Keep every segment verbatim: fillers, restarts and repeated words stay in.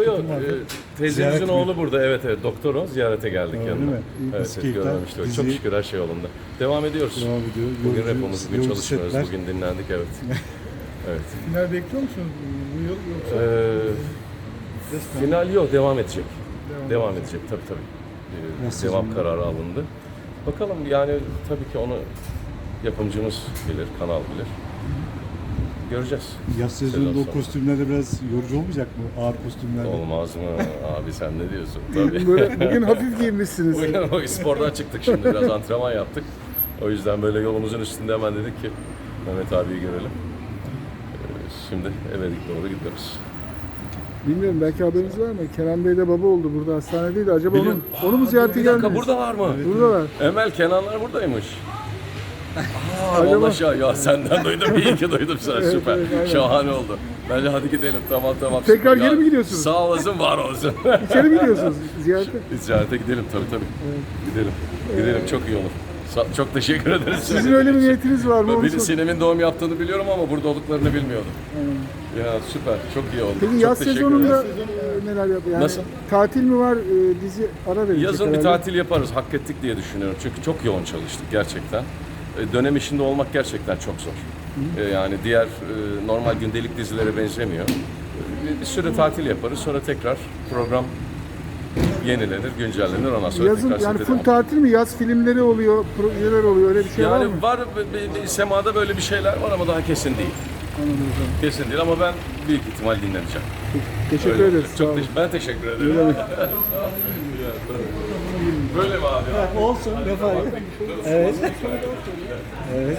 Yok yok. Sıkıntın vardı. E, teyzemizin Ziyaret mi? oğlu burada. Evet evet. Doktor o. Ziyarete geldik Öyle yanına. mi? İyi, Evet, nasıl evet keyifler? görmemiştik. Çok Dizi- şükür her şey yolunda. Devam ediyoruz. Devam ediyor. Bugün Yorucu- repomuz, bugün yorucu çalışmıyoruz. setler. Bugün dinlendik evet. Evet. Final bekliyor musunuz bu yıl yoksa? Ee, final yok. Devam edecek. Devam Devam edecek tabii tabii. Ee, Nasıl devam şimdi? kararı alındı. Bakalım yani tabii ki onu yapımcımız bilir, kanal bilir. Göreceğiz. Yaz sezonunda Sezon o sonu. kostümlerde biraz yorucu olmayacak mı? Ağır kostümlerde. Olmaz mı? Abi sen ne diyorsun? Tabii. Böyle, bugün hafif giyinmişsiniz. Bugün o spordan çıktık şimdi biraz antrenman yaptık. O yüzden böyle yolumuzun üstünde hemen dedik ki Mehmet abiyi görelim. Ee, Şimdi eve doğru gidiyoruz. Bilmiyorum belki haberiniz var mı? Kenan Bey de baba oldu burada hastanedeydi. Acaba onun, Biliyorum. onu mu ziyarete Bir dakika geldiniz? burada var mı? Buradalar. Emel Kenanlar buradaymış. Aa, Acaba- vallahi şah- ya senden duydum, iyi ki duydum sen, Evet, süper. evet, aynen. Şahane oldu. Bence hadi gidelim, tamam tamam. Tekrar Ya, geri mi gidiyorsunuz? Sağ olasın, var olsun. İçeri mi gidiyorsunuz ziyarete? Ziyarete gidelim tabii tabii. Gidelim, gidelim çok iyi olur. Sa- Çok teşekkür ederiz. Sizin öyle bir niyetiniz var mı? Onu Biri sor- Sinem'in doğum yaptığını biliyorum ama burada olduklarını bilmiyordum. Ya süper, çok iyi oldu. Peki çok yaz teşekkür sezonunda ederiz. e, neler yapıyor? Yani Nasıl? Tatil mi var? E, dizi ara verecek Yazın bir herhalde. tatil yaparız, hak ettik diye düşünüyorum. Çünkü çok yoğun çalıştık gerçekten. E, Dönem işinde olmak gerçekten çok zor. E, Yani diğer e, normal gündelik dizilere benzemiyor. E, Bir süre tatil yaparız, sonra tekrar program yenilenir, güncellenir, ondan sonra Yazın tekrar yani sete full devam. tatil mi? Yaz filmleri oluyor, projeler oluyor. Öyle bir şey var mı? Yani var, bir- bir- semada böyle bir şeyler var ama daha kesin değil. Anladım hocam. Kesin değil ama ben büyük ihtimal dinleneceğim. Teşekkür Öyle ederiz. olacak. Sağ Çok olun. teş- ben teşekkür ederim. Böyle mi abi? Olsun. Ne fark Evet. Evet.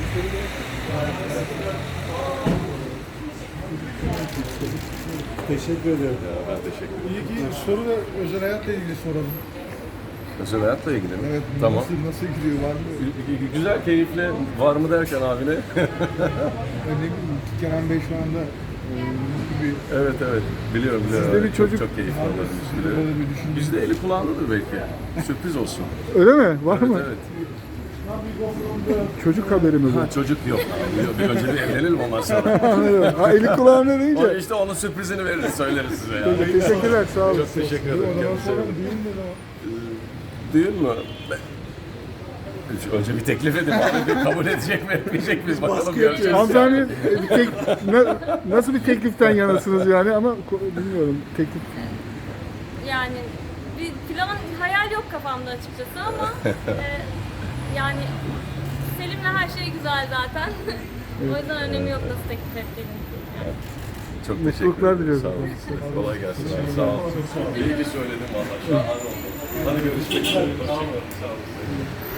Teşekkür ederim. Ben teşekkür ederim. İyi ki soru da özel hayatla ilgili soralım. Özel hayatla ilgili mi? Evet, Tamam. nasıl, nasıl gidiyor var mı? Güzel, keyifli. Var mı derken abine? Ne bileyim, Kenan Bey şu anda e, mutlu bir Evet evet. Biliyorum biliyorum. Sizde bir Çok- çocuk çok, keyifli var mı? olurmuş. Sizde böyle bir düşünce- Bizde eli kulağındadır belki. Sürpriz olsun. Öyle mi? Var Evet mı? evet. Çocuk haberi mi bu? Ha, çocuk yok. Yok, Bir önce bir evlenelim ondan sonra. Anladım. Ha, eli kulağına O deyince. işte onun sürprizini veririz, söyleriz size yani. Teşekkürler, sağ olun. Çok teşekkür ederim. O zaman Kendinize sonra iyi bakın. düğün ne zaman? Düğün mü? Önce bir teklif edin abi. Bir kabul edecek mi etmeyecek miyiz? Bakalım göreceğiz. Hanımefendi e, bir tek, na- nasıl bir tekliften yanasınız yani ama ko- bilmiyorum teklif. Yani bir plan, hayal yok kafamda açıkçası ama e, yani Selim'le her şey güzel zaten. O yüzden önemi yok nasıl teklif ettiğinin. Çok teşekkür Mutluluklar ederim. diliyorum. Sağ olun. Kolay gelsin. abi, Sağ olun. İyi ki söyledim valla. Şahane oldu. Hadi görüşmek üzere. Sağ olun. Sağ olun.